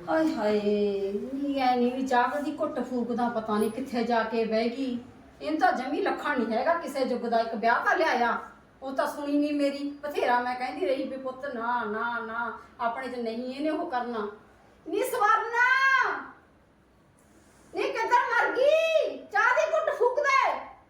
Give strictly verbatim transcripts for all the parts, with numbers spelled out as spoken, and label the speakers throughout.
Speaker 1: ਆਏ ਹਾਏ ਨੀ ਐ ਨੀ ਵੀ ਚਾਹ ਦੀ ਘੁੱਟ ਫੂਕਦਾ ਪਤਾ ਨਹੀਂ ਕਿੱਥੇ ਜਾ ਕੇ ਬਹਿ ਗਈ। ਇਹਨੂੰ ਤਾਂ ਜਮੀ ਲੱਖਾਂ ਨਹੀਂ ਹੈਗਾ ਕਿਸੇ ਯੁੱਗ ਦਾ। ਇੱਕ ਵਿਆਹ ਤਾਂ ਲਿਆਇਆ, ਉਹ ਤਾਂ ਸੁਣੀ ਨਹੀਂ ਮੇਰੀ। ਬਥੇਰਾ ਮੈਂ ਕਹਿੰਦੀ ਰਹੀ ਵੀ ਪੁੱਤ ਨਾ ਨਾ ਨਾ ਆਪਣੇ ਚ ਨਹੀਂ ਇਹਨੇ ਉਹ ਕਰਨਾ। ਨੀ ਸਵਰਨਾ ਨੀ ਕਿੱਧਰ ਮਰ ਗਈ? ਚਾਹ ਦੀ ਘੁੱਟ ਫੂਕ ਦੇ।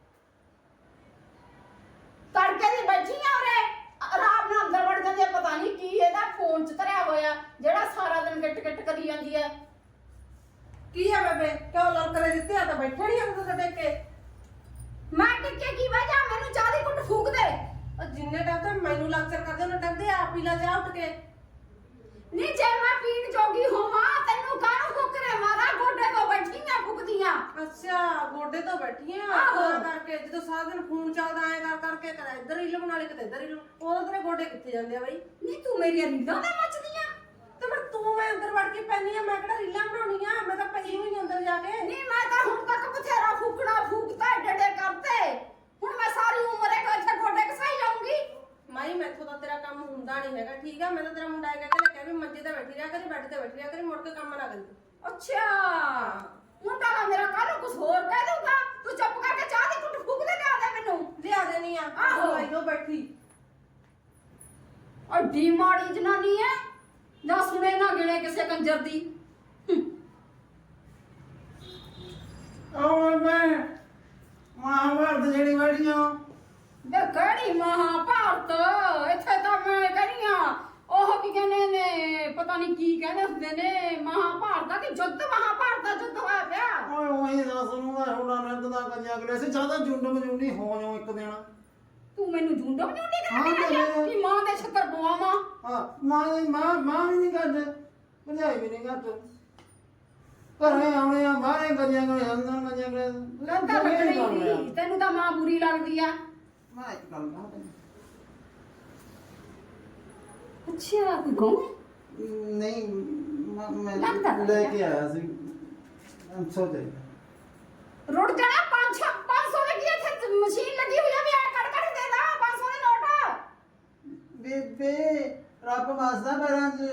Speaker 1: ਤੜਕੇ ਦੀ ਬੈਠੀ ਆ ਉਰੇ ਆਰਾਮ ਨਾਲ ਅੰਦਰ ਵੜ ਜਾਂਦੀ ਆ। ਪਤਾ ਨਹੀਂ ਕੀ ਇਹਦਾ ਫੋਨ ਚ ਧਰਿਆ ਹੋਇਆ ਜਿਹੜਾ ਸਾਰਾ ਦਿਨ ਗਿੱਟ ਗਿੱਟ ਕਰੀ ਜਾਂਦੀ ਹੈ।
Speaker 2: ਕੀ ਹੈ ਬੇਬੇ? ਕਿਉਂ ਲੜਕਰੇ ਦਿੱਤੇ ਆ ਤਾਂ ਬੈਠੇ ਨਹੀਂ ਅੰਦਰ ਤੇ ਦੇਖ ਕੇ।
Speaker 1: ਮੈਂ ਟਿੱਕੇ ਕੀ ਵਜ੍ਹਾ? ਮੈਨੂੰ ਚਾਹ ਦੀ ਘੁੱਟ ਫੂਕ ਦੇ।
Speaker 2: ਉਹ ਜਿੰਨੇ ਟਾਈਮ ਤਾਂ ਮੈਨੂੰ ਲੈਕਚਰ ਕਰਦੇ ਉਹਨੇ ਟੱਕਦੇ ਆ ਪੀ ਲਾ ਚਾਹ ਉੱਠ ਕੇ।
Speaker 1: ਨੀ ਜੇ ਮੈਂ ਪੀਣ ਜੋਗੀ ਹੋਵਾਂ ਤੈਨੂੰ ਕਾਹਨੂੰ ਫੁਕਰੇ ਮਾਰਾ? ਗੋਡੇ ਤੋਂ ਬੈਠੀਆਂ ਫੁਕਦੀਆਂ।
Speaker 2: ਅੱਛਾ ਗੋਡੇ ਤੋਂ ਬੈਠੀ ਆ
Speaker 1: ਆਹੋ।
Speaker 2: ਤਾਂ ਕਰਕੇ ਜਦੋਂ ਸਾਰਾ ਦਿਨ ਫੋਨ ਚੱਲਦਾ ਐ ਕਰ ਕਰਕੇ ਕਦੇ ਇੱਧਰ ਹੀ ਲਗਣਾ ਲਈ ਕਿਤੇ ਇੱਧਰ ਹੀ ਲਗਣਾ। ਉਹ ਤੇਰੇ ਗੋਡੇ ਕਿੱਥੇ ਜਾਂਦੇ ਆ ਬਈ?
Speaker 1: ਨੀ ਤੂੰ ਮੇਰੀਆਂ ਰੀਲਾਂ ਤੇ ਮੱਚਦੀਆਂ।
Speaker 2: ਤੇ ਫਿਰ ਤੂੰ ਮੈਂ ਅੰਦਰ ਵੜ ਕੇ ਪੈਣੀ ਆ, ਮੈਂ ਕਿਹੜਾ ਰੀਲਾਂ ਬਣਾਉਣੀਆਂ? ਮੈਂ ਤਾਂ ਪਈ ਹੋਈ ਅੰਦਰ ਜਾ ਕੇ।
Speaker 1: ਨੀ ਮੈਂ ਤਾਂ ਹੁਣ ਤੱਕ ਬਥੇਰਾ ਫੂਕਣਾ ਫੂਕਤਾ ਡੇਡੇ ਕਰਤੇ। ਹੁਣ ਮੈਂ ਸਾਰੀ ਉਮਰ ਇਹ ਇੱਥੇ ਗੋਡੇ ਘਸਾਈ ਜਾਊਂਗੀ।
Speaker 2: ਮਾਈ ਮੈਥੋਂ ਤਾਂ ਤੇਰਾ ਕੰਮ ਹੁੰਦਾ ਨਹੀਂ ਹੈਗਾ, ਠੀਕ ਆ? ਮੈਂ ਤਾਂ ਤੇਰਾ ਮੁੰਡਾ ਕਹਿ ਕੇ ਲੱਗਿਆ ਵੀ ਮੰਜੇ ਤੇ ਬੈਠੀ ਰਿਹਾ ਕਰੀ, ਬੈੱਡ ਤੇ ਬੈਠੀ ਰਿਹਾ ਕਰੀ, ਮੁੜ ਕੇ ਕੰਮ ਨਾ ਕਰੀ।
Speaker 1: ਅੱਛਾ ਮੁੰਡਾ ਨਾ ਮੇਰਾ ਕੱਲ ਕੁਝ ਹੋਰ ਕਹਿ ਦਊਗਾ। ਤੂੰ ਚੁੱਪ ਕਰਕੇ ਚਾਹ ਦੀ ਘੁੱਟ ਫੂਕ ਦੇ ਲਿਆ ਦੇ ਮੈਨੂੰ।
Speaker 2: ਲਿਆ ਦੇਣੀ ਆ।
Speaker 1: ਆਹੋ।
Speaker 2: ਆਈ ਦੋ ਬੈਠੀ
Speaker 1: ਅੱਡੀ ਮਾੜੀ ਜਨਾਨੀ ਐ, ਨਾ ਸੁਣੇ ਨਾ ਗਿਣੇ ਕਿਸੇ ਕੰਜਰ ਦੀ।
Speaker 3: ਉਹ ਮੈਂ ਮਹਾਭਾਰਤ ਜਿਹੜੀ ਬੈਠੀਆਂ
Speaker 1: ਬੇ ਕਿਹੜੀ ਮਹਾਭਾਰਤ? ਇੱਥੇ ਤਾਂ ਮੈਂ ਕਹਿੰਦੀ ਆ ਉਹ ਕੀ ਕਹਿੰਦੇ ਨੇ, ਪਤਾ ਨਹੀਂ ਕੀ ਕਹਿੰਦੇ ਹੁੰਦੇ ਨੇ, ਮਹਾਭਾਰਤ ਦਾ ਕਿ ਯੁੱਧ, ਮਹਾਭਾਰਤ ਦਾ ਯੁੱਧ ਹੋਇਆ ਪਿਆ।
Speaker 3: ਓਏ ਉਹੀ ਦੱਸ ਨੂੰ ਦਾ ਹੋਣਾ ਨੰਦ ਦਾ ਕੰਨਿਆ ਅਗਲੇ ਸੇ ਜ਼ਿਆਦਾ ਜੁੰਡ ਮਜੂਨੀ ਹੋ ਜਾਓ ਇੱਕ ਦਿਨ।
Speaker 1: ਤੂੰ ਮੈਨੂੰ ਝੁੰਡੋ ਝੁੰਡੀ
Speaker 3: ਹਾਂ
Speaker 1: ਕਰਦੀ
Speaker 3: ਤੇ
Speaker 1: ਆ ਕਿ ਮਾਂ ਦੇ ਛੱਤਰ ਪਵਾਵਾਂ?
Speaker 3: ਹਾਂ ਮਾਂ ਦੀ ਮਾਂ ਮਾਂ ਵੀ ਨਹੀਂ ਕਰਦੇ, ਭਜਾਈ ਵੀ ਨਹੀਂ ਕਰਦੇ। ਘਰੇ ਆਉਣੇ ਆ ਬਾਹਰੇ ਗੱਡੀਆਂ ਗਏ ਅੰਦਰ ਗੱਡੀਆਂ ਗਏ
Speaker 1: ਲੰਦਾ ਲੱਗਣੀ। ਤੈਨੂੰ ਤਾਂ ਮਾਂ ਬੁਰੀ ਲੱਗਦੀ ਆ।
Speaker 3: ਮੈਂ ਇੱਕ ਗੱਲ ਕਹਾਂ ਤੈਨੂੰ।
Speaker 1: ਅੱਛਾ ਕੋਈ ਗਾਉਂ?
Speaker 3: ਨਹੀਂ ਮੈਂ ਮੈਂ
Speaker 1: ਲੱਗਦਾ ਤਾਂ
Speaker 3: ਲੈ
Speaker 1: ਹੈ।
Speaker 3: ਕੇ ਆਇਆ ਸੀ ਸੌ ਤੇ
Speaker 1: ਰੁੜ ਜਾਣਾ। ਪੰਜ ਸੌ ਪੰਜ ਸੌ ਲੱਗੀ ਇੱਥੇ ਮਸ਼ੀਨ ਲੱਗੀ ਹੋਈ ਆ ਵੀ ਐ ਕੱਢ ਕੱਢ ਦੇ ਦਾ ਪੰਜ ਸੌ ਦੇ ਨੋਟ।
Speaker 3: ਬੇਬੇ ਰੱਬ ਵਸਦਾ ਪੈਰਾਂ 'ਚ।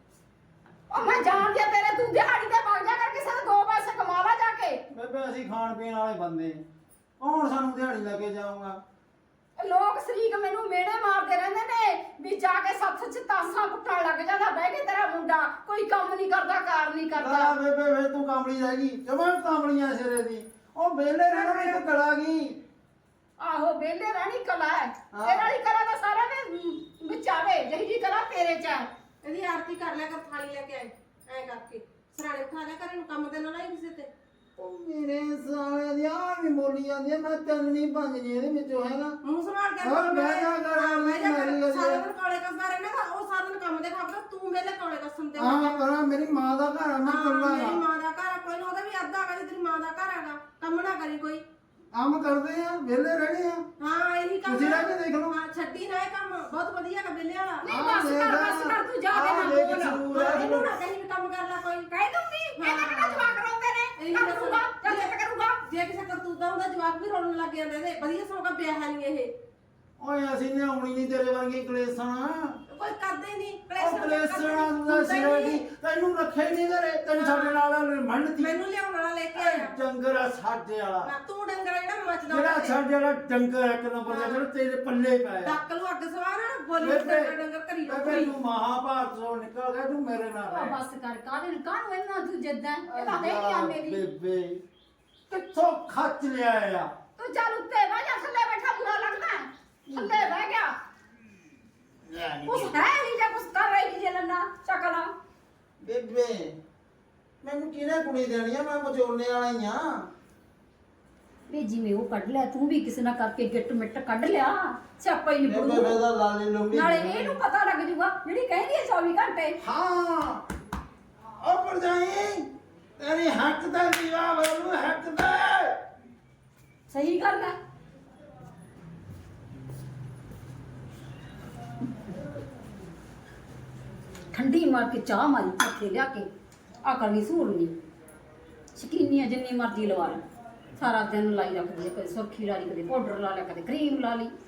Speaker 1: ਉਹ ਮੈਂ ਜਾਣਦੀ ਆ ਤੇਰੇ, ਤੂੰ ਦਿਹਾੜੀ ਤੇ ਵਗ ਜਾ ਕਰ ਕਿਸੇ ਦੇ ਦੋ ਪੈਸੇ ਕਮਾ ਲਾ ਜਾ ਕੇ।
Speaker 3: ਬੇਬੇ ਅਸੀਂ ਖਾਣ ਪੀਣ ਵਾਲੇ ਬੰਦੇ, ਕੌਣ ਸਾਨੂੰ ਦਿਹਾੜੀ ਲੈ ਕੇ ਜਾਊਗਾ?
Speaker 1: ਲੋਕ ਸ਼ਰੀਕ ਮੈਨੂੰ ਮੇੜੇ ਮਾਰਦੇ ਰਹਿੰਦੇ ਨੇ ਵੀ ਜਾ ਕੇ ਸੱਥ ਚ ਤਾਸਾਂ ਕੁੱਟਣ ਲੱਗ ਜਾਂਦਾ ਬਹਿ ਕੇ ਤੇਰਾ ਮੁੰਡਾ। ਕੋਈ ਕੰਮ ਨਹੀਂ ਕਰਦਾ, ਕਾਰ ਨਹੀਂ
Speaker 3: ਆ
Speaker 1: ਕਰਦਾ।
Speaker 3: ਬੇਬੇ ਫੇਰ ਤੂੰ ਕਾਮੜੀ ਰਹਿ ਗਈ, ਜਮਾਂ ਕਾਮੜੀਆਂ ਸਿਰੇ ਦੀ। ਉਹ ਵਿਹਲੇ ਰਹਿਣਾ ਇੱਕ ਕਲਾ ਗਈ।
Speaker 1: ਆਹੋ ਵਿਹਲੇ ਰਹਿਣੀ ਕਲਾ ਹੈ।
Speaker 3: ਹਾਂ।
Speaker 1: ਤੇਰੇ ਵਾਲੀ ਕਲਾ ਤਾਂ ਸਾਰਿਆਂ ਦੇ ਵਿੱਚ ਆਵੇ, ਜਿਹੀ ਜੀ ਕਲਾ ਤੇਰੇ ਚ ਹੈ।
Speaker 2: ਇਹਦੀ ਆਰਤੀ ਕਰ ਲਿਆ ਕਰ, ਥਾਲੀ ਲੈ ਕੇ ਆਏ ਐ ਕਰਕੇ ਸਰਾਣੇ ਉਠਾ ਲਿਆ ਕਰ, ਇਹਨੂੰ ਕੰਮ ਤੇ ਨਾ ਲਾਈ ਕਿਸੇ ਤੇ।
Speaker 3: ਉਹ ਮੇਰੇ ਸਾਲੇ ਦੀ ਆ ਵੀ ਬੋਲੀ ਜਾਂਦੀ ਆ, ਮੈਂ ਤਿੰਨ ਨਹੀਂ ਪੰਜ ਨਹੀਂ ਇਹਦੇ ਵਿੱਚੋਂ ਹੈਗਾ।
Speaker 2: ਮੂੰਹ ਸੰਭਾਲ ਕੇ
Speaker 3: ਹੋਰ ਬਹਿ ਜਾ ਕਰ,
Speaker 2: ਹਾਂ, ਬਹਿ ਜਾ ਕਰ।
Speaker 3: ਮਾਰੀ ਜਾਂਦੀ ਆ।
Speaker 2: ਸਾਰਾ ਦਿਨ ਕੋਲੇ ਕੱਸਦਾ ਰਹਿਣਾ ਤਾਂ ਉਹ ਸਾਰਾ ਦਿਨ ਕੰਮ ਤੇ ਖਾਂਦਾ, ਤੂੰ ਵੇਲੇ ਕੋਲੇ ਕੱਸਣ ਤੇ
Speaker 3: ਹਾਂ ਕਰਾਂ, ਮੇਰੀ ਮਾਂ ਦਾ ਘਰ ਆ, ਮੈਂ
Speaker 2: ਹਾਂ,
Speaker 3: ਕੱਲਾ
Speaker 2: ਮੇਰੀ
Speaker 3: ਆ।
Speaker 2: ਮਾਂ ਦਾ ਘਰ ਆ, ਕੋਈ ਨਾ ਉਹਦਾ ਵੀ ਅੱਧਾ ਹੈਗਾ ਜੇ ਤੇਰੀ ਮਾਂ ਦਾ ਘਰ ਹੈਗਾ। ਕੰਮ ਨਾ ਕਰੀ ਕੋਈ।
Speaker 3: ਕੰਮ ਕਰਦੇ ਆ, ਵਿਹਲੇ ਰਹਿਣੇ ਆ।
Speaker 2: ਹਾਂ ਇਹੀ ਕੰਮ
Speaker 3: ਤੁਸੀਂ ਰਹਿ ਕੇ ਦੇਖ ਲਓ।
Speaker 2: ਹਾਂ ਛੱਡੀ ਨਾ ਇਹ ਕੰਮ, ਬਹੁਤ ਵਧੀਆ ਹੈਗਾ ਵਿਹਲੇ ਵਾਲਾ।
Speaker 1: ਨਹੀਂ ਬਸ ਕਰ, ਬਸ ਕਰ, ਤੂੰ ਜਾ ਕੇ ਨਾ ਬੋਲ।
Speaker 2: ਇਹਨੂੰ ਨਾ ਕਹੀਂ ਵੀ ਕੰਮ ਕਰ ਲੈ ਕੋਈ।
Speaker 1: ਕਹਿ ਦੂੰਗੀ ਇਹਦੇ ਕਿਹੜਾ ਜਵਾਕ ਰੋਂਦੇ ਨੇ, ਕਰ ਦੂੰਗਾ ਜਾਂ ਚਿੱਤ ਕਰੂੰਗਾ।
Speaker 2: ਜੇ ਕਿਸੇ ਕਰਤੂਤਾ ਹੁੰਦਾ ਜਵਾਕ ਵੀ ਰੋਣ ਲੱਗ ਜਾਂਦੇ ਨੇ। ਵਧੀਆ ਸੌਂਕਾ ਵਿਆਹ ਨਹੀਂ ਇਹ।
Speaker 3: ਓਏ ਅਸੀਂ ਲਿਆਉਣੀ ਨਹੀਂ ਤੇਰੇ ਵਰਗੀ ਕਲੇਸ਼ਣਾ।
Speaker 2: ਕੋਈ ਕਰਦੇ ਨਹੀਂ
Speaker 3: ਉਹ ਕਲੇਸ਼ਣਾ ਦਾ ਸਿਰੇ ਦੀ ਤੈਨੂੰ ਰੱਖੇ ਨਹੀਂ ਘਰੇ, ਤੈਨੂੰ ਸਾਡੇ ਨਾਲ ਮੰਨਤੀ।
Speaker 2: ਮੈਨੂੰ ਲਿਆਉਣ ਵਾਲਾ ਲੈ ਕੇ ਆਇਆ।
Speaker 3: ਡੰਗਰ ਆ ਸਾਡੇ ਵਾਲਾ,
Speaker 2: ਨਾ ਤੂੰ ਡੰਗਰ ਜਿਹੜਾ ਮੱਚਦਾ
Speaker 3: ਜਿਹੜਾ ਸਾਡੇ ਵਾਲਾ ਡੰਗਰ ਇੱਕ ਨੰਬਰ ਦਾ, ਜਿਹੜਾ ਤੇਰੇ ਪੱਲੇ ਪਿਆ।
Speaker 2: ਡੱਕ ਨੂੰ ਅੱਗ ਸਵਾਰ ਬੋਲੀ
Speaker 3: ਬੇਬੇ
Speaker 2: ਡੰਗਰ ਡੰਗਰ ਕਰੀ
Speaker 3: ਬੇਬੇ ਤੂੰ ਮਹਾਭਾਰਤ ਤੋਂ ਨਿਕਲ ਗਿਆ, ਤੂੰ ਮੇਰੇ ਨਾਲ
Speaker 1: ਉਹ
Speaker 3: ਰਹਿ।
Speaker 1: ਬਸ ਕਰ, ਕਾਹਦੇ ਕਾਹਨੂੰ ਇਹਨਾਂ ਤੂੰ ਜਿੱਦਾਂ ਇਹਦਾ ਹੈ ਨਹੀਂ ਆ ਮੇਰੀ।
Speaker 3: ਬੇਬੇ ਕਿੱਥੋਂ ਖੱਚ ਲਿਆ ਆ?
Speaker 1: ਤੂੰ ਚੱਲ ਉੱਤੇ ਬਹਿ ਜਾ, ਥੱਲੇ ਬੈਠਾ ਬੁਰਾ ਲੱਗਦਾ ਹੈ। ਥੱਲੇ ਬਹਿ ਗਿਆ ਕੁਛ ਹੈ ਨਹੀਂ ਜਾਂ ਕੁਛ ਕਰ ਰਹੀ ਜੇ ਲੰਨਾ ਚੱਕਲਾ।
Speaker 3: ਬੇਬੇ ਮੈਨੂੰ ਕਿਹਨੇ ਕੁੜੀ ਦੇਣੀ ਆ? ਮੈਂ ਬਚੋਲਣੇ ਵਾਲਾ ਹੀ ਆ।
Speaker 1: ਵੀ ਜਿਵੇਂ ਉਹ ਕੱਢ ਲਿਆ ਤੂੰ ਵੀ ਕਿਸੇ ਨਾਲ ਕਰਕੇ ਗਿੱਟ ਮਿੱਟ ਕੱਢ ਲਿਆ, ਸਿਆਪਾ ਹੀ
Speaker 3: ਬੇਬੇ
Speaker 1: ਨਿਬੜੂ।
Speaker 3: ਵੇਦਾ ਲਾਲੀ ਲੰਬੀ
Speaker 1: ਨਾਲੇ ਇਹਨੂੰ ਪਤਾ ਲੱਗ ਜੂਗਾ ਜਿਹੜੀ ਕਹਿੰਦੀ ਹੈ ਚੌਵੀ ਘੰਟੇ।
Speaker 3: ਹਾਂ ਉਹ ਪਰ ਜਾਈ ਤੇਰੀ ਹੱਕ ਦਾ ਦੀਵਾ ਬੋਲੂ, ਹੱਕ ਦਾ।
Speaker 1: ਸਹੀ ਗੱਲ ਹੈ। ਠੰਡੀ ਮਾਰ ਕੇ ਚਾਹ ਮਾਰੀ ਪੱਥੇ ਲਿਆ ਕੇ ਅਕਲ ਨਹੀਂ ਸੂਰਨੀ। ਸ਼ਕੀਨੀਆਂ ਜਿੰਨੀ ਮਰਜ਼ੀ ਲਵਾ ਲੈ, ਸਾਰਾ ਦਿਨ ਲਾਈ ਰੱਖਦੀ ਹੈ। ਕਦੇ ਸੁਰਖੀ ਲਾ ਲਈ, ਕਦੇ ਪਾਊਡਰ ਲਾ ਲਿਆ, ਕਦੇ ਕਰੀਮ ਲਾ ਲਈ।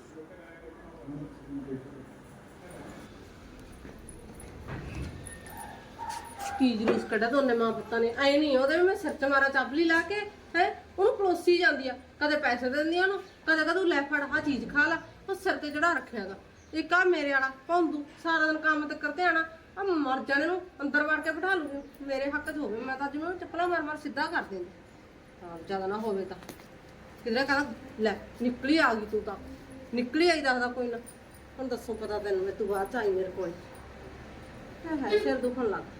Speaker 2: ਕੀ ਜਲੂਸ ਕੱਢਿਆ ਦੋਨੇ ਮਾਂ ਪੁੱਤਾਂ ਨੇ। ਐ ਨਹੀਂ ਉਹਦੇ ਵੀ ਮੈਂ ਸਿਰ 'ਚ ਮਾਰਾ ਚਾਪਲੀ ਲਾ ਕੇ ਹੈ ਉਹਨੂੰ ਪਲੋਸੀ ਜਾਂਦੀ ਆ, ਕਦੇ ਪੈਸੇ ਦਿੰਦੀ ਆ ਉਹਨੂੰ, ਕਦੇ ਕਦੇ ਲੈ ਫੜ ਆਹ ਚੀਜ਼ ਖਾ ਲਾ, ਉਹ ਸਿਰ ਤੇ ਚੜਾ ਰੱਖਿਆਗਾ। ਇੱਕ ਆ ਮੇਰੇ ਵਾਲਾ ਭੌਂਦੂ ਸਾਰਾ ਦਿਨ ਕੰਮ ਤੇ ਕਰਦੇ ਆਣਾ ਆ, ਮਰ ਜਾਣੇ ਨੂੰ ਅੰਦਰ ਵੜ ਕੇ ਬਿਠਾ ਲੂਗੀ। ਮੇਰੇ ਹੱਕ 'ਚ ਹੋਵੇ ਮੈਂ ਤਾਂ ਜਿਵੇਂ ਚੱਪਲਾਂ ਮਾਰ ਮਾਰ ਸਿੱਧਾ ਕਰ ਦਿੰਦੀ, ਹਾਂ ਜ਼ਿਆਦਾ ਨਾ ਹੋਵੇ ਤਾਂ ਕਿਧਰੇ ਕਹਿੰਦਾ ਲੈ ਨਿਕਲੀ ਆ ਗਈ ਤੂੰ ਤਾਂ ਨਿਕਲੀ ਆਈ ਦੱਸਦਾ ਕੋਈ ਨਾ। ਹੁਣ ਦੱਸੋ ਪਤਾ ਤੈਨੂੰ ਮੈਂ ਤੂੰ ਬਾਅਦ 'ਚ ਆਈ ਮੇਰੇ ਕੋਲ ਹੈ ਸਿਰ ਦੁਖਣ ਲੱਗ।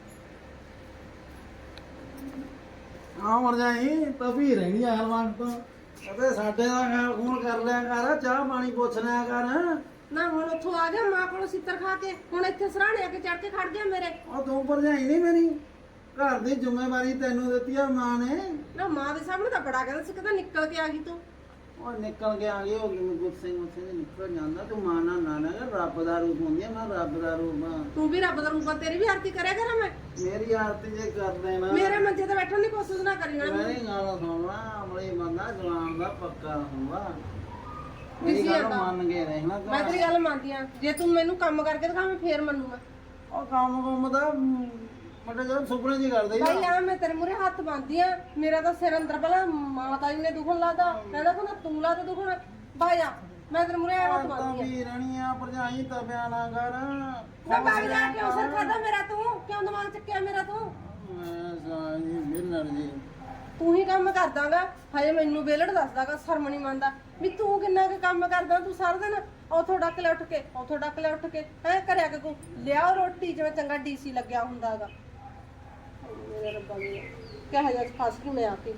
Speaker 3: ਆ ਮਰ ਜਾਈ ਤਵੀ ਰਹਿਣੀ ਆ ਹਲਵਾਨ ਤੋਂ ਅਤੇ ਸਾਡੇ ਦਾ ਖਿਆਲ ਖੂਨ ਕਰ ਲਿਆ ਕਰ, ਚਾਹ ਪਾਣੀ ਪੁੱਛ ਲਿਆ ਕਰ।
Speaker 2: ਨਾ ਹੁਣ ਉੱਥੋਂ ਆ ਗਿਆ ਮਾਂ ਕੋਲੋਂ ਸਿੱਤਰ ਖਾ ਕੇ, ਹੁਣ ਇੱਥੇ ਸਰਾਣੇ ਆ ਕੇ ਚੜ ਕੇ ਖੜ ਗਿਆ ਮੇਰੇ।
Speaker 3: ਉਹ ਤੂੰ ਭਰਜਾਈ ਨਹੀਂ ਮੇਰੀ, ਘਰ ਦੀ ਜ਼ਿੰਮੇਵਾਰੀ ਤੈਨੂੰ ਦਿੱਤੀ ਆ ਮਾਂ ਨੇ।
Speaker 2: ਨਾ ਮਾਂ ਦੇ ਸਾਹਮਣੇ ਤਾਂ ਬੜਾ ਕਹਿੰਦਾ ਸੀ, ਕਹਿੰਦਾ ਨਿਕਲ ਕੇ ਆ ਗਈ ਤੂੰ।
Speaker 3: ਉਹ ਨਿਕਲ ਕੇ ਆ ਗਈ ਹੋ ਗਈ ਮੈਂ ਗੁੱਸੇ ਗੁੱਸੇ ਦੇ ਨਿਕਲ ਜਾਂਦਾ। ਤੂੰ ਮਾਂ ਨਾਲ ਨਾ ਨਾ ਰੱਬ ਦਾ ਰੂਪ ਹੁੰਦੀ ਆ, ਮੈਂ ਰੱਬ ਦਾ ਰੂਪ ਆ।
Speaker 2: ਤੂੰ ਵੀ ਰੱਬ ਦਾ ਰੂਪ ਆ, ਤੇਰੀ ਵੀ ਆਰਤੀ ਕਰਿਆ ਕਰਾਂ ਮੈਂ।
Speaker 3: ਮੇਰੀ ਆਰਤੀ ਜੇ ਕਰ ਦੇਣਾ
Speaker 2: ਮੇਰੇ ਮੰਜੇ ਤੇ ਬੈਠਣ ਦੀ ਕੋਸ਼ਿਸ਼ ਨਾ ਕਰੀ ਨਾ।
Speaker 3: ਮੇਰੀ ਗੱਲ ਸੁਣਨਾ, ਅਮਲੀ ਬੰਦਾ ਜਵਾਨ ਦਾ ਪੱਕਾ ਹੁੰਦਾ।
Speaker 2: ਕਿਸੀ
Speaker 3: ਮੇਰੀ ਗੱਲ
Speaker 2: ਆਂਦਾ।
Speaker 3: ਮੰਨ ਕੇ ਰਹਿਣਾ ਤੂੰ।
Speaker 2: ਮੈਂ ਤੇਰੀ ਗੱਲ ਮੰਨਦੀ ਆ, ਜੇ ਤੂੰ ਮੈਨੂੰ ਕੰਮ ਕਰਕੇ ਦਿਖਾਵੇਂ ਫੇਰ ਮੰਨੂਗਾ।
Speaker 3: ਉਹ ਕੰਮ ਕੰਮ ਦਾ ਮਟੇ ਜਦੋਂ ਸੁਪਨੇ ਜੀ ਕਰਦੇ
Speaker 2: ਭਾਈ ਆ ਮੈਂ ਤੇਰੇ ਮੂਰੇ ਹੱਥ ਬੰਨਦੀ ਆ, ਮੇਰਾ ਤਾਂ ਸਿਰ ਅੰਦਰ ਪਹਿਲਾਂ ਮਾਤਾ ਜੀ ਨੇ ਦੁਖਣ ਲਾਦਾ, ਕਹਿੰਦਾ ਕਹਿੰਦਾ ਤੂੰ ਲਾ ਤੇ ਦੁਖਣ ਭਾਈ ਆ, ਮੈਂ ਤੇਰੇ ਮੂਰੇ ਹੱਥ
Speaker 3: ਤਾਂ
Speaker 2: ਬੰਨਦੀ ਆ।
Speaker 3: ਵੀ ਰਹਿਣੀਆਂ ਭਰਜਾਈ ਤਾਂ ਬਿਆਨਾ ਕਰ।
Speaker 2: ਮੈਂ ਭਾਈ ਜਾ ਕਿਉਂ ਸਿਰ ਖਾਦਾ ਮੇਰਾ ਤੂੰ, ਕਿਉਂ ਦਿਮਾਗ ਚੱਕਿਆ ਮੇਰਾ ਤੂੰ?
Speaker 3: ਮੈਂ ਸਾਜੀ ਮਿਲਣ ਜੀ
Speaker 2: ਤੂੰ ਹੀ ਕੰਮ ਕਰਦਾਗਾ, ਹਜੇ ਮੈਨੂੰ ਵੇਲੜ ਦੱਸਦਾਗਾ, ਸ਼ਰਮ ਨਹੀਂ ਮੰਨਦਾ ਵੀ ਤੂੰ ਕਿੰਨਾ ਕੁ ਕੰਮ ਕਰਦਾ। ਤੂੰ ਸਾਰਾ ਦਿਨ ਉਥੋਂ ਡੱਕ ਲੈ ਉੱਠ ਕੇ, ਉਥੋਂ ਡੱਕ ਲੈ ਉੱਠ ਕੇ ਹੈ ਕਰਿਆ ਕਿ ਤੂੰ ਲਿਆਓ ਰੋਟੀ ਜਿਵੇਂ ਚੰਗਾ ਡੀਸੀ ਲੱਗਿਆ ਹੁੰਦਾਗਾ। ਮੇਰੇ ਰੱਬਾ ਜੀ ਕਿਹੋ ਜਿਹਾ ਫਸ ਗਈ ਮੈਂ ਆ ਕੇ।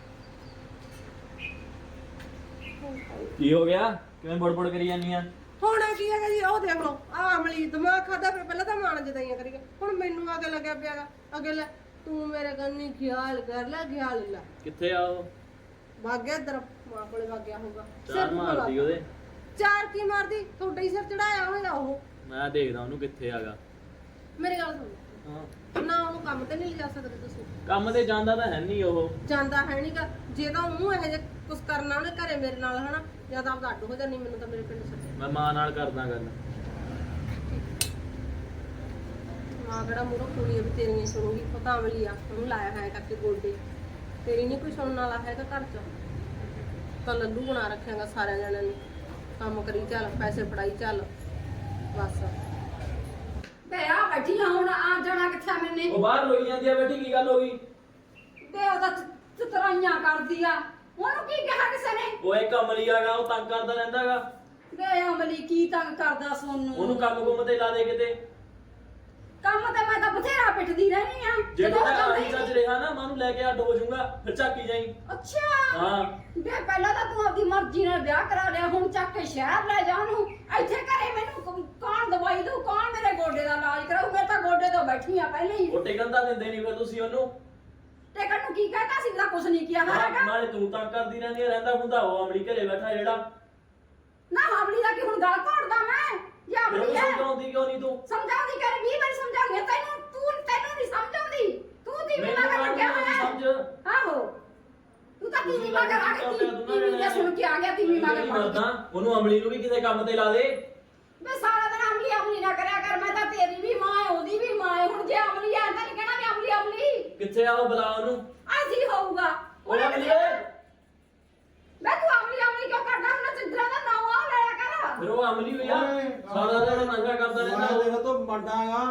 Speaker 4: ਕੀ ਹੋ ਗਿਆ? ਕਿਵੇਂ ਬੜਬੜ ਕਰੀ ਜਾਂਦੀ ਆ?
Speaker 2: ਹੋਣਾ ਕੀ ਹੈਗਾ ਜੀ, ਉਹ ਦੇਖ ਲਓ ਆ ਅਮਲੀ ਦਿਮਾਗ ਖਾਦਾ ਪਿਆ, ਪਹਿਲਾਂ ਤਾਂ ਮਾਣ ਜਦਾਈਆਂ ਕਰੀ ਗਿਆ, ਹੁਣ ਮੈਨੂੰ ਅੱਗੇ ਲੱਗਿਆ ਪਿਆਗਾ। ਅੱਗੇ ਲੈ ਤੂੰ ਮੇਰੇ ਕੰਨੀ ਖਿਆਲ ਕਰ ਲੈ, ਖਿਆਲ ਲੈ।
Speaker 4: ਕਿੱਥੇ ਆ ਉਹ?
Speaker 2: ਭਾਗਿਆ ਇੱਧਰ ਮਾਂ ਕੋਲੇ ਭਾਗਿਆ ਹੋਊਗਾ।
Speaker 4: ਚਾਰ ਮਾਰਦੀ ਉਹਦੇ।
Speaker 2: ਚਾਰ ਕੀ ਮਾਰਦੀ, ਤੁਹਾਡੇ ਹੀ ਸਿਰ ਚੜਾਇਆ ਹੋਇਆ ਉਹ।
Speaker 4: ਮੈਂ ਦੇਖਦਾ ਉਹਨੂੰ ਕਿੱਥੇ ਆਗਾ।
Speaker 2: ਮੇਰੀ ਗੱਲ ਸੁਣ,
Speaker 4: ਹਾਂ,
Speaker 2: ਨਾ ਉਹਨੂੰ ਕੰਮ ਤੇ ਨਹੀਂ ਲਿਜਾ ਸਕਦੇ ਤੁਸੀਂ।
Speaker 4: ਕੰਮ ਤੇ ਜਾਂਦਾ ਤਾਂ ਹੈ ਨਹੀਂ ਉਹ।
Speaker 2: ਜਾਂਦਾ ਹੈ ਨਹੀਂਗਾ, ਜੇ ਤਾਂ ਉਹਨੂੰ ਇਹੋ ਜਿਹਾ ਕੁਝ ਕਰਨਾ ਉਹਨੇ ਘਰੇ ਮੇਰੇ ਨਾਲ ਹਨਾ, ਜਾਂ ਤਾਂ ਆਪਦਾ ਅੱਡ ਹੋ ਜਾਣੀ, ਮੈਨੂੰ ਤਾਂ ਮੇਰੇ ਪਿੰਡ ਛੱਡ।
Speaker 4: ਮੈਂ ਮਾਂ ਨਾਲ ਕਰਦਾ ਗੱਲ।
Speaker 2: ਮਾਂ ਕਿਹੜਾ ਮੂਹਰੋਂ ਕੁੜੀ ਵੀ ਤੇਰੀਆਂ ਸੁਣੂਗੀ, ਪਤਾ ਅਮਲੀ ਆ, ਉਹਨੂੰ ਲਾਇਆ ਹੈ ਕਰਕੇ ਗੋਡੇ। ਤੇਰੀ ਨਹੀਂ ਕੋਈ ਸੁਣਨ ਵਾਲਾ ਹੈਗਾ ਘਰ 'ਚ, ਤਾਂ ਲੱਲੂ ਬਣਾ ਰੱਖਿਆਗਾ ਸਾਰਿਆਂ ਜਣਿਆਂ ਨੂੰ। ਕੰਮ ਕਰੀ ਚੱਲ, ਪੈਸੇ ਫੜਾਈ ਚੱਲ, ਬਸ।
Speaker 1: ਬੇ ਆ ਬੈਠੀ ਆ ਹੁਣ, ਆ ਜਾਣਾ ਕਿੱਥੇ ਮੈਨੇ?
Speaker 4: ਉਹ ਬਾਹਰ ਰੋਈ ਜਾਂਦੀ ਆ ਬੇਟੀ, ਕੀ ਗੱਲ ਹੋ ਗਈ?
Speaker 1: ਬੇ ਉਹਦਾ ਚਤਰਾਈਆਂ ਕਰਦੀ ਆ, ਉਹਨੂੰ ਕੀ ਕਿਹਾ ਕਿਸੇ ਨੇ?
Speaker 4: ਉਹ ਇੱਕ ਅਮਲੀ ਆਗਾ, ਉਹ ਤੰਗ ਕਰਦਾ ਰਹਿੰਦਾਗਾ।
Speaker 1: ਬੇ ਅਮਲੀ ਕੀ ਤੰਗ ਕਰਦਾ ਸੋਨੂੰ?
Speaker 4: ਉਹਨੂੰ ਕੰਮ ਕੁੰਮ ਤੇ ਲਾ ਦੇ ਕਿਤੇ।
Speaker 1: ਕੰਮ ਤੇ ਮੈਂ ਤਾਂ ਬਥੇਰਾ ਪਿੱਟਦੀ ਰਹਿਣੀ ਆ,
Speaker 4: ਜੇ
Speaker 1: ਜਦੋਂ
Speaker 4: ਤੂੰ
Speaker 1: ਜਾਂਦਾ
Speaker 4: ਆਈ
Speaker 1: ਹੀ
Speaker 4: ਚੱਜ
Speaker 1: ਨਹੀਂ।
Speaker 4: ਰਿਹਾ ਨਾ, ਮਾਂ ਨੂੰ ਲੈ ਕੇ ਅੱਡ ਹੋ ਜਾਊਗਾ, ਫਿਰ ਝਾਕੀ ਜਾਈ।
Speaker 1: ਅੱਛਾ
Speaker 4: ਹਾਂ,
Speaker 1: ਬੇ ਪਹਿਲਾਂ ਤਾਂ ਤੂੰ ਆਪਦੀ ਮਰਜ਼ੀ ਨਾਲ ਵਿਆਹ ਕਰਾ ਲਿਆ, ਹੁਣ ਚੱਕ ਕੇ ਸ਼ਹਿਰ ਲੈ ਜਾ ਉਹਨੂੰ। ਇੱਥੇ ਘਰੇ ਮੈਨੂੰ ਕ- ਕੌਣ ਦਵਾਈ ਦਊ, ਕੌਣ ਮੇਰੇ ਗੋਡੇ ਦਾ ਇਲਾਜ ਕਰਾਊ? ਮੈਂ ਤਾਂ ਗੋਡੇ ਤੋਂ ਬੈਠੀ ਆ ਪਹਿਲੇ ਹੀ।
Speaker 4: ਉਹ ਟਿਕਣ ਤਾਂ ਦਿੰਦੇ ਨਹੀਂ ਫਿਰ ਤੁਸੀਂ ਉਹਨੂੰ।
Speaker 1: ਟਿਕਣ ਨੂੰ ਕੀ ਕਹਤਾ ਸੀ, ਤਾਂ ਕੁਛ ਨਹੀਂ ਕਿਹਾ
Speaker 4: ਹਾਂ,
Speaker 1: ਹੈਗਾ।
Speaker 4: ਨਾਲੇ ਤੂੰ ਤੰਗ ਕਰਦੀ ਰਹਿੰਦੀ ਆ, ਰਹਿੰਦਾ ਹੁੰਦਾ ਉਹ ਅਮਲੀ ਘਰੇ ਬੈਠਾ ਜਿਹੜਾ।
Speaker 1: ਨਾ ਹਮਲੀ ਦਾ ਕੀ ਹੁਣ ਗੱਲ ਘੋੜਦਾ ਮੈਂ? ਜੇ
Speaker 4: ਫਿਰ
Speaker 1: ਹਮਲੀ
Speaker 4: ਉਹਨੂੰ
Speaker 1: ਹੈ
Speaker 4: ਸਮਝਾਉਂਦੀ ਕਿਉਂ ਨਹੀਂ ਤੂੰ?
Speaker 1: ਸਮਝਾਉਂਦੀ ਕਰ, ਵੀਹ ਵਾਰੀ ਸਮਝਾਉਂਦੀ ਆ ਤੈਨੂੰ, ਤੂੰ ਤੈਨੂੰ ਨਹੀਂ ਸਮਝਾਉਂਦੀ। ਤੂੰ ਦੀ
Speaker 4: ਮੈਨੂੰ
Speaker 1: ਮਗਰ ਲੱਗਿਆ
Speaker 4: ਕਾਹਨੂੰ
Speaker 1: ਹੋਇਆ
Speaker 4: ਸਮਝ।
Speaker 1: ਆਹੋ, ਤੂੰ ਤਾਂ
Speaker 4: ਤੁਸੀਂ
Speaker 1: ਤੀਵੀਂ ਮਗਰ ਆ
Speaker 4: ਕੰਮ
Speaker 1: ਗਈ,
Speaker 4: ਕਰਦੇ ਹੋ,
Speaker 1: ਤੀਵੀਂ ਦੇ ਸੁਣ ਕੇ ਆ ਗਿਆ, ਤੀਵੀਂ ਮਗਰ ਪੜ
Speaker 4: ਮਰਦਾ
Speaker 1: ਗਿਆ।
Speaker 4: ਉਹਨੂੰ ਅਮਲੀ ਨੂੰ ਵੀ ਕਿਸੇ ਕੰਮ ਤੇ ਲਾ ਦੇ।
Speaker 1: ਮੈਂ ਸਾਰਾ ਦਿਨ ਅਮਲੀ ਅਮਲੀ ਨਾ ਕਰਿਆ ਕਰ, ਮੈਂ ਤਾਂ ਤੇਰੀ ਵੀ ਮਾਂ ਹੈ, ਉਹਦੀ ਵੀ ਮਾਂ ਹੈ। ਹੁਣ ਜੇ ਅਮਲੀ ਆ ਤਾਂ ਨਹੀਂ ਕਹਿਣਾ ਵੀ ਅਮਲੀ ਅਮਲੀ।
Speaker 4: ਕਿੱਥੇ ਆ ਉਹ? ਬੁਲਾ ਉਹਨੂੰ।
Speaker 1: ਅੱਜ ਹੀ ਹੋਊਗਾ।
Speaker 4: ਉਹ ਅਮਲੀ ਓਏ।
Speaker 1: ਮੈਂ ਤੂੰ ਅਮਲੀ ਅਮਲੀ ਕਿਉਂ ਕਰਦਾ? ਉਹਨਾਂ ਚੰਦਰਾ ਦਾ ਨਾਮ ਆ ਲਿਆ ਕਰ।
Speaker 4: ਫਿਰ ਉਹ ਅਮਲੀ ਹੋਇਆ,
Speaker 3: ਓਏ,
Speaker 4: ਸਾਰਾ ਦਿਨ ਨਸ਼ਾ ਕਰਦਾ ਰਹਿੰਦਾ
Speaker 3: ਮੈਂ
Speaker 4: ਉਹ।
Speaker 3: ਤੇਰੇ ਤੋਂ ਵੱਡਾਗਾ,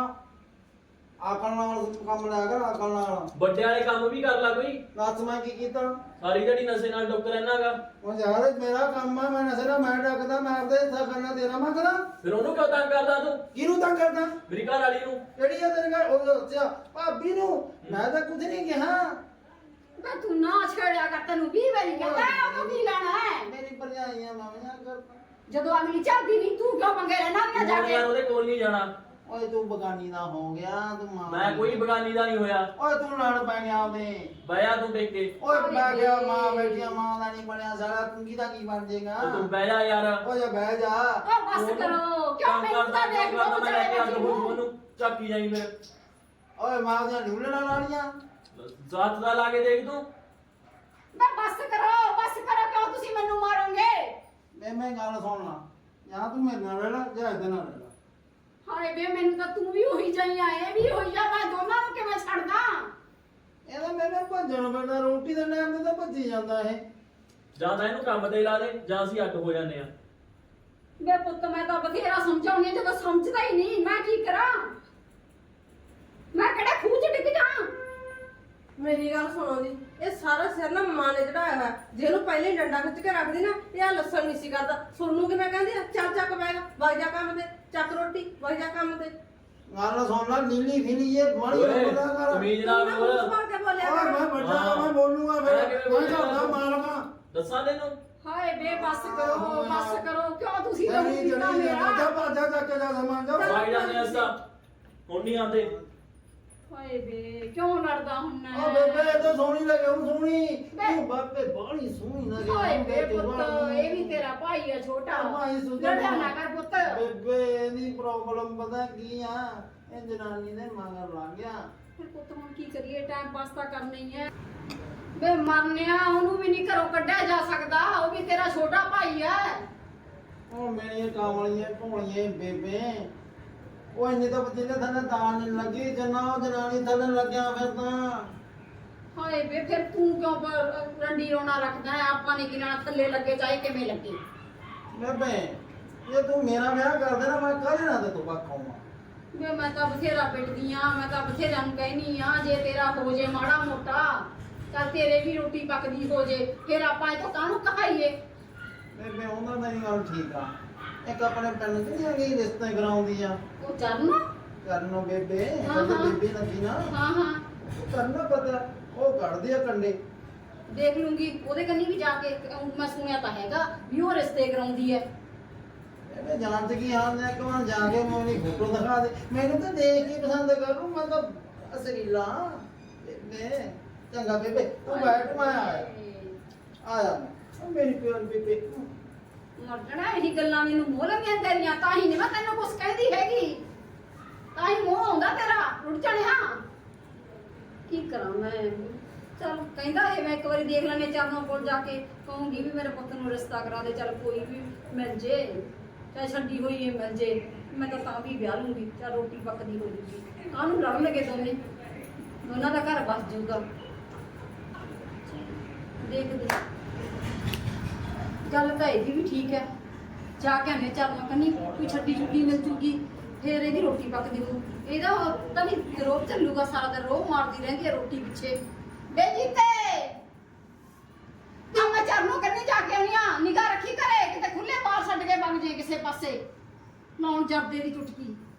Speaker 3: ਆਕਲ ਨਾਲ ਕੰਮ ਲਿਆ ਕਰ, ਆਕਲ ਨਾਲ।
Speaker 4: ਵੱਡੇ ਵਾਲੇ ਕੰਮ ਵੀ ਕਰ ਲੈ ਕੋਈ।
Speaker 3: ਦੱਸ ਮੈਂ ਕੀ ਕੀਤਾ?
Speaker 4: ਸਾਰੀ ਜਿਹੜੀ ਨਸ਼ੇ ਨਾਲ ਡੁੱਕ ਰਹਿਣਾਗਾ।
Speaker 3: ਉਹ ਯਾਰ ਮੇਰਾ ਕੰਮ ਆ, ਮੈਂ ਨਸ਼ੇ ਨਾਲ ਮੈਂ ਡੱਕਦਾ, ਮੈਂ ਆਪਦੇ ਹਿੱਸਾ ਕਰਨਾ ਤੇਰਾ ਮੈਂ ਕਰਾਂ।
Speaker 4: ਫਿਰ ਉਹਨੂੰ ਕਿਉਂ ਤੰਗ ਕਰਦਾ ਤੂੰ?
Speaker 3: ਕਿਹਨੂੰ ਤੰਗ ਕਰਦਾ?
Speaker 4: ਮੇਰੀ ਘਰ ਵਾਲੀ ਨੂੰ।
Speaker 3: ਕਿਹੜੀ ਆ ਤੇਰੇ ਘਰ? ਉਹ ਅੱਛਾ ਭਾਬੀ ਨੂੰ। ਮੈਂ ਤਾਂ ਕੁਝ ਨਹੀਂ ਕਿਹਾ।
Speaker 1: ਮੈਂ ਤੂੰ ਨਾ ਛੇੜਿਆ ਕਰ, ਤੈਨੂੰ ਵੀਹ ਵਾਰੀ ਕਹਿੰਦਾ, ਉਹਨੂੰ ਕੀ ਲੈਣਾ ਹੈ?
Speaker 3: ਮੇਰੀ ਭਰਜਾਈਆਂ ਮਾਮੀਆਂ ਕਰਦਾ।
Speaker 1: ਜਦੋਂ ਅਗਲੀ ਚੱਲਦੀ ਨਹੀਂ, ਤੂੰ ਕਿਉਂ ਮੰਗੇ ਰਹਿਣਾ ਨਾ ਜਾ
Speaker 4: ਮੈਂ
Speaker 1: ਕੇ?
Speaker 4: ਉਹਦੇ ਕੋਲ ਨਹੀਂ ਜਾਣਾ।
Speaker 3: ਓਏ ਤੂੰ ਬਗਾਨੀ ਦਾ ਹੋ ਗਿਆ, ਤੂੰ ਮਾਂ।
Speaker 4: ਮੈਂ ਕੋਈ ਬਗਾਨੀ ਦਾ ਨਹੀਂ ਹੋਇਆ।
Speaker 3: ਓਏ ਤੂੰ ਲੜ ਪੈ ਗਿਆ ਉਹਦੇ।
Speaker 4: ਬਹਿਆ ਤੂੰ ਟੇਕ ਕੇ।
Speaker 3: ਓਏ ਮੈਂ ਗਿਆ ਮਾਂ ਬੈਠੀਆਂ, ਮਾਂ ਦਾ ਨਹੀਂ ਬਣਿਆ ਸਾਰਾ, ਤੂੰ ਕਿਹਦਾ ਕੀ ਬਣ ਜਾਏਗਾ?
Speaker 4: ਉਹ ਤੂੰ ਬਹਿ ਜਾ ਯਾਰ।
Speaker 3: ਓਏ ਬਹਿ ਜਾ।
Speaker 1: ਉਹ ਬਸ ਕਰੋ, ਕਿਉਂ ਮੈਨੂੰ ਤਾਂ ਦੇਖ ਲੋ
Speaker 4: ਮੈਂ ਲੈ ਕੇ ਅੱਡ
Speaker 1: ਵਿਚਾਰੇ
Speaker 4: ਹੋ
Speaker 1: ਨੂੰ।
Speaker 4: ਉਹਨੂੰ ਝਾਕੀ ਜਾਈ ਫਿਰ।
Speaker 3: ਓਏ ਮਾਂ ਦੀਆਂ ਨਿਵਲਣਾ ਲਾਣੀਆਂ।
Speaker 4: ਜ਼ਾਤ ਦਾ ਲਾ ਕੇ ਦੇਖ ਤੂੰ।
Speaker 1: ਮੈਂ ਬਸ ਕਰੋ, ਬਸ ਕਰੋ, ਕਿਉਂ ਤੁਸੀਂ ਮੈਨੂੰ ਮਾਰੋਗੇ?
Speaker 3: ਮੈਂ ਮੈਂ ਗੱਲ ਸੁਣ ਲਾ, ਜਾਂ ਤੂੰ ਮੇਰੇ ਨਾਲ ਰਹਿ ਲੈ ਜਾਂ ਇਹਦੇ ਨਾਲ ਰਹਿ ਲੈ।
Speaker 1: ਹਾਏ ਬੇ, ਮੈਨੂੰ ਤਾਂ ਤੂੰ ਵੀ ਉਹੀ ਜਾਈ ਆਏ, ਵੀ ਹੋਈ ਜਾ, ਮੈਂ ਦੋਨਾਂ ਨੂੰ ਕਿਵੇਂ
Speaker 3: ਇਹਨੇ ਭੱਜਣ ਪੈਂਦਾ ਰੋਟੀ ਦੇ ਟਾਈਮ ਤੇ ਤਾਂ ਭੱਜੀ ਜਾਂਦਾ ਇਹ
Speaker 4: ਜਾਂ ਤਾਂ ਇਹਨੂੰ ਕੰਮ ਤੇ ਲਾ ਦੇ ਜਾਂ ਅਸੀਂ ਅੱਡ ਹੋ ਜਾਂਦੇ ਆ।
Speaker 1: ਵੇ ਪੁੱਤ ਮੈਂ ਤਾਂ ਬਥੇਰਾ ਸਮਝਾਉਣੀ ਆ, ਜਦੋਂ ਸਮਝਦਾ ਹੀ ਨਹੀਂ ਮੈਂ ਕੀ ਕਰਾਂ? ਮੈਂ ਕਿਹੜੇ ਖੂਹ ਚ ਡਿੱਗ ਜਾ?
Speaker 2: ਮੇਰੀ ਗੱਲ ਸੁਣੋ ਜੀ, ਇਹ ਸਾਰਾ ਸਿਰ ਨਾ ਮਾਂ ਨੇ ਚੜਾਇਆ ਹੋਇਆ। ਜੇ ਇਹਨੂੰ ਪਹਿਲੇ ਹੀ ਡੰਡਾ ਖਿੱਚ ਕੇ ਰੱਖਦੀ ਨਾ, ਇਹ ਆ ਲੱਸਣ ਨਹੀਂ ਸੀ ਕਰਦਾ। ਸੁਣਨੂ ਕਿ ਮੈਂ ਕਹਿੰਦੀ ਆ ਚੱਲ ਚੱਕ ਬੈਗ ਵਗ ਜਾ ਕੰਮ ਤੇ, ਚੱਕ ਰੋਟੀ ਵਗ ਜਾ ਕੰਮ ਤੇ।
Speaker 3: ਗੱਲ ਸੁਣ ਲੈ ਨੀਲੀ ਫਿਲੀ ਇਹ ਬੜੀ
Speaker 4: ਓਏ,
Speaker 3: ਪਤਾ ਕਰ
Speaker 4: ਤਮੀਜ਼ ਨਾਲ
Speaker 2: ਮੈਂ
Speaker 4: ਬੋਲ।
Speaker 2: ਮੂੰਹ ਭਰ ਕੇ ਬੋਲਿਆ
Speaker 3: ਓਏ
Speaker 2: ਕਰ।
Speaker 3: ਮੈਂ ਵੱਡਾ
Speaker 4: ਹਾਂ।
Speaker 3: ਮੈਂ ਬੋਲੂਗਾ ਫਿਰ
Speaker 4: ਮੈਂ ਕਿਵੇਂ
Speaker 3: ਮੈਂ ਘਰ ਦਾ
Speaker 4: ਬੋਲੂੰਗਾ?
Speaker 3: ਮਾਲਕਾਂ
Speaker 4: ਦੱਸਾਂ ਤੈਨੂੰ
Speaker 1: ਹਾਏ ਬੇ ਬਸ ਕਰੋ ਬਸ ਕਰੋ, ਕਿਉਂ ਤੁਸੀਂ
Speaker 3: ਤੇਰੀ
Speaker 1: ਰੋਟੀ
Speaker 3: ਜਿਹੜੀ
Speaker 1: ਨਾ ਮੇਰਾ?
Speaker 3: ਜਾ ਭਾਜਾ ਚੱਕ ਕੇ ਜਾ ਸਮਾਨ ਜਾ
Speaker 4: ਵਗ ਜਾਂਦੇ ਆ ਅਸਾਂ, ਹੁਣ ਨਹੀਂ ਆਉਂਦੇ।
Speaker 1: ਹਾਏ ਬੇ ਕਿਉਂ ਲੜਦਾ ਹੁੰਨਾ?
Speaker 3: ਓ ਬੇਬੇ ਇਹ ਤਾਂ ਸੋਹਣੀ ਲੱਗੇ ਉਹ ਸੋਹਣੀ
Speaker 1: ਬੇ-
Speaker 3: ਤੂੰ ਬਾਪੇ ਬਾਹਲੀ ਸੋਹਣੀ ਲੱਗੇ
Speaker 1: ਹਾਏ ਬੇ ਪੁੱਤ, ਇਹ ਵੀ ਤੇਰਾ ਭਾਈ ਆ ਛੋਟਾ।
Speaker 3: ਭਾਈ ਸੁਧਰ
Speaker 1: ਲੜਿਆ ਨਾ ਕਰ ਪੁੱਤ।
Speaker 3: ਬੇਬੇ ਇਹਦੀ ਪ੍ਰੋਬਲਮ ਪਤਾ ਕੀ ਆ ਇਹ ਜਨਾਨੀ ਦੇ ਮਗਰ ਲੱਗ ਗਿਆ
Speaker 1: ਫਿਰ ਪੁੱਤ ਹੁਣ ਕੀ ਕਰੀਏ, ਟਾਈਮ ਪਾਸ ਤਾਂ ਕਰਨਾ ਹੀ ਹੈ। ਵੇ ਮਰਨਿਆ ਉਹਨੂੰ ਵੀ ਨਹੀਂ ਘਰੋਂ ਕੱਢਿਆ ਜਾ ਸਕਦਾ, ਉਹ ਵੀ ਤੇਰਾ ਛੋਟਾ ਭਾਈ ਹੈ।
Speaker 3: ਉਹ ਮੇਰੀਆਂ ਕਾਮਲੀਆਂ ਭੋਲੀਆਂ ਬੇਬੇ ਉਹ ਇੰਨੇ ਤਾਂ ਬਚੇ ਥੱਲੇ ਤਾਂ ਨਹੀਂ ਲੱਗੀ ਜਨਾ ਉਹ ਜਨਾਨੀ ਥੱਲੇ ਲੱਗਿਆ ਫਿਰ ਤਾਂ
Speaker 1: ਹਾਏ ਬੇ ਫਿਰ ਤੂੰ ਕਿਉਂ ਬ- ਰੰਡੀ ਰੋਣਾ ਰੱਖਦਾ ਹੈ? ਆਪਾਂ ਨੇ ਕਿਹਨਾਂ ਥੱਲੇ ਲੱਗੇ ਚਾਹੇ ਕਿਵੇਂ ਲੱਗੇ।
Speaker 3: ਬੇਬੇ ਜੇ ਤੂੰ ਮੇਰਾ ਵਿਆਹ ਕਰ ਦੇ ਨਾ ਮੈਂ ਕਾਹਦੇ ਨਾਲ ਤੇ ਤੂੰ ਖਾਵਾਂ
Speaker 1: ਵੇ ਮੈਂ ਤਾਂ ਬਥੇਰਾ ਪਿੱਟਦੀ ਆ, ਮੈਂ ਤਾਂ ਬਥੇਰਾ ਨੂੰ ਕਹਿਨੀ ਆ, ਜੇ ਤੇਰਾ ਹੋ ਜੇ ਮਾੜਾ ਮੋਟਾ ਚੱਲ ਤੇਰੇ ਵੀ ਰੋਟੀ ਪੱਕਦੀ ਹੋ ਜੇ, ਫਿਰ ਆਪਾਂ ਇਹ ਤੋਂ ਕਾਹਨੂੰ ਕਹਾਈਏ?
Speaker 3: ਬੇਬੇ ਉਹਨਾਂ ਦਾ ਹੀ ਗੱਲ ਠੀਕ ਆ ਇੱਕ ਆਪਣੇ ਪਿੰਡ ਚ ਨਹੀਂ ਹੈਗੀ ਰਿਸ਼ਤੇ ਕਰਾਉਂਦੀ ਆ
Speaker 1: ਉਹ ਚਰਨ
Speaker 3: ਕਰਨੋ ਬੇਬੇ
Speaker 1: ਹਾਂ,
Speaker 3: ਸਾਡੇ
Speaker 1: ਹਾਂ।
Speaker 3: ਬੇਬੇ ਲੱਗੀ ਨਾ
Speaker 1: ਹਾਂ ਹਾਂ
Speaker 3: ਕਰਨਾ ਪਤਾ ਉਹ ਕੱਢਦੀ ਆ ਕੰਡੇ
Speaker 1: ਦੇਖ ਲੂੰਗੀ ਉਹਦੇ ਕੰਨੀ ਵੀ ਜਾ ਕੇ। ਅਹ ਮੈਂ ਸੁਣਿਆ ਤਾਂ ਹੈਗਾ ਵੀ ਉਹ ਰਿਸ਼ਤੇ ਕਰਾਉਂਦੀ ਹੈ।
Speaker 3: ਬੇਬੇ ਜਾਣ ਤੇ ਕੀ ਹਾਲ ਨੇ ਇੱਕ ਵਾਰ ਜਾ ਕੇ ਮੈਨੂੰ ਫੋਟੋ ਦਿਖਾ ਦੇ ਮੈਨੂੰ ਤਾਂ ਦੇਖ ਕੇ ਪਸੰਦ ਕਰੂ ਮੈਂ ਤਾਂ ਅਸਰੀਲਾ ਬੇਬੇ ਚੰਗਾ ਬੇਬੇ ਤੂੰ ਬੈਠ ਮੈਂ ਆਇਆ ਆਇਆ ਮੈਂ ਉਹ ਮੇਰੀ ਪਿਆਰ ਬੇਬੇ
Speaker 1: ਮਰਜਣਾ ਇਹੀ ਗੱਲਾਂ ਮੈਨੂੰ ਮੋਹ ਲੱਗੀਆਂ ਤੇਰੀਆਂ, ਤਾਂ ਹੀ ਨਹੀਂ ਮੈਂ ਤੈਨੂੰ ਕੁਛ ਕਹਿੰਦੀ ਹੈਗੀ, ਤਾਂ ਹੀ ਮੋਹ ਆਉਂਦਾ ਤੇਰਾ ਰੁੱਟ ਚੜਿਆ। ਕੀ ਕਰਾਂ ਮੈਂ? ਚਲ ਕਹਿੰਦਾ ਇਹ ਮੈਂ ਇੱਕ ਵਾਰੀ ਦੇਖ ਲੈਣੇ ਚਰਨੋਂ ਕੋਲ ਜਾ ਕੇ ਕਹੂੰਗੀ ਵੀ ਮੇਰੇ ਪੁੱਤ ਨੂੰ ਰਿਸ਼ਤਾ ਕਰਾ ਦੇ, ਚਲ ਕੋਈ ਵੀ ਮਿਲ ਜੇ ਚਾਹੇ ਛੱਡੀ ਹੋਈ ਇਹ ਮਿਲ ਜੇ, ਮੈਂ ਤਾਂ ਤਾਂ ਵੀ ਵਿਆਹ ਲੂੰਗੀ, ਚਲ ਰੋਟੀ ਪੱਕਦੀ ਹੋ ਜੂਗੀ। ਕਾਹਨੂੰ ਲੜਨ ਲੱਗੇ ਦੋਨੇ, ਦੋਨਾਂ ਦਾ ਘਰ ਬਸ ਜਾਊਗਾ। ਦੇਖਦੇ ਗੱਲ ਤਾਂ ਇਹਦੀ ਵੀ ਠੀਕ ਹੈ, ਜਾ ਕੇ ਆਨੇ ਚਰਨੋਂ ਕੰਨੀ ਕੋਈ ਛੱਡੀ ਛੁੱਡੀ ਮਿਲ ਜੂਗੀ, ਫੇਰ ਇਹਦੀ ਰੋਟੀ ਪੱਕਦੀ ਹੋ। ਇਹਦਾ ਤਾਂ ਨਹੀਂ ਰੋਹ ਚੱਲੂਗਾ ਸਾਰਾ ਦਿਨ, ਰੋਹ ਮਾਰਦੀ ਰਹਿੰਦੀ ਹੈ ਰੋਟੀ ਪਿੱਛੇ। ਬੇ ਜੀਤੇ ਤਾਂ ਮੈਂ ਚਰਨੋਂ ਕੰਨੀ ਜਾ ਕੇ ਆਉਣੀ ਆ, ਨਿਗਾਹ ਰੱਖੀ ਕਰੇ ਕਿਤੇ ਖੁੱਲੇ ਬਾਹਰ ਛੱਡ ਕੇ ਵਗ ਜੇ ਕਿਸੇ ਪਾਸੇ, ਲਾਉਣ ਜਰਦੇ ਦੀ ਚੁਟਕੀ।